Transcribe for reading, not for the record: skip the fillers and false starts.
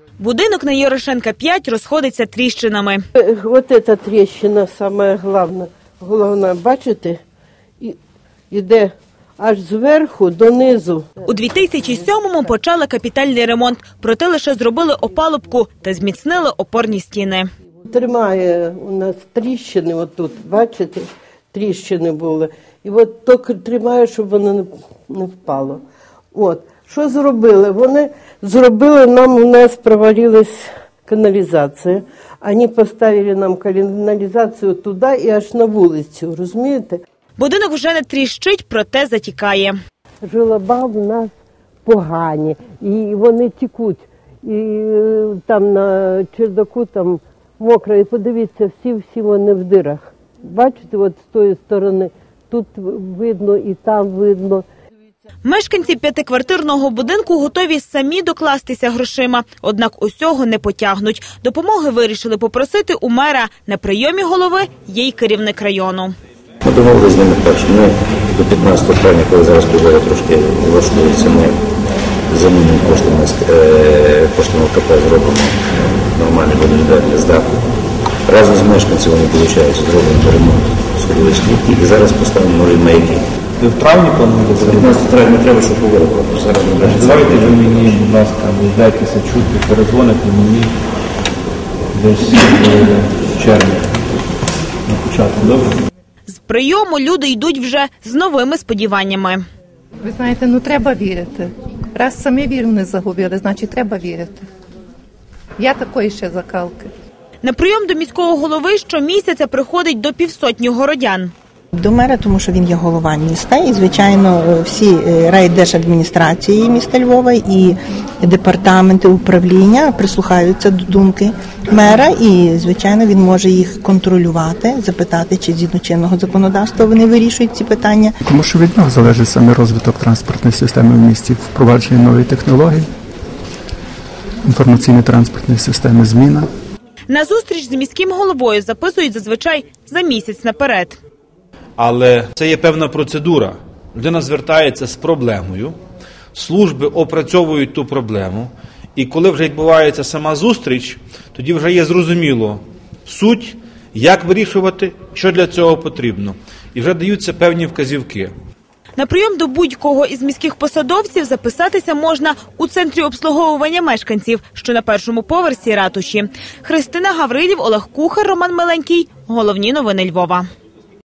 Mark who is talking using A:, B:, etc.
A: Будинок на Ярошенка 5 розходиться тріщинами.
B: Ось ця тріщина саме головна, бачите, іде аж зверху донизу.
A: У 2007-му почали капітальний ремонт, проте лише зробили опалубку та зміцнили опорні стіни.
B: Тримає у нас тріщини, отут, бачите, тріщини були. І от тільки тримає, щоб воно не впало. От. Що зробили? Вони зробили нам, у нас провалилась каналізація. Вони поставили нам каналізацію туди і аж на вулицю, розумієте?
A: Будинок вже не тріщить, проте затікає.
B: Желоба в нас погані, і вони тікуть. І там на чердаку там мокро, і подивіться, всі вони в дирах. Бачите, от з тої сторони, тут видно і там видно.
A: Мешканці п'ятиквартирного будинку готові самі докластися грошима, однак усього не потягнуть. Допомоги вирішили попросити у мера. На прийомі голови є й керівник району.
C: Ми домовилися з ними так, що ми до 15 травня, коли зараз погода трошки влаштується, ми замінимо коштами ЛКП зробимо нормальний водовідведення з даху. Разом з мешканцями вони, виходить, зробимо ремонт сходових клітки і зараз поставимо нові маяки.
D: Ви в травні плануєте зробити?
C: 15 травня треба, щоб погода була. Зараз не буде.
D: Давайте ви мені, будь ласка, дайтеся чути, перезвоните мені десь в червні на початку, добре?
A: З прийому люди йдуть вже з новими сподіваннями.
E: Ви знаєте, треба вірити. Раз самі віру не загубили, значить треба вірити. Я такої ще закалки.
A: На прийом до міського голови щомісяця приходить до 500 городян.
F: До мера, тому що він є голова міста, і, звичайно, всі райдержадміністрації міста Львова і департаменти управління прислухаються до думки мера, і, звичайно, він може їх контролювати, запитати, чи згідно чинного законодавства вони вирішують ці питання.
G: Тому що від нього залежить саме розвиток транспортної системи в місті, впровадження нової технології, інформаційної транспортної системи, зміна.
A: На зустріч з міським головою записують зазвичай за місяць наперед.
H: Але це є певна процедура. Людина звертається з проблемою, служби опрацьовують ту проблему, і коли вже відбувається сама зустріч, тоді вже є зрозуміло суть, як вирішувати, що для цього потрібно. І вже даються певні вказівки.
A: На прийом до будь-кого із міських посадовців записатися можна у центрі обслуговування мешканців, що на першому поверсі ратуші. Христина Гаврилів, Олег Кухар, Роман Миленький. Головні новини Львова.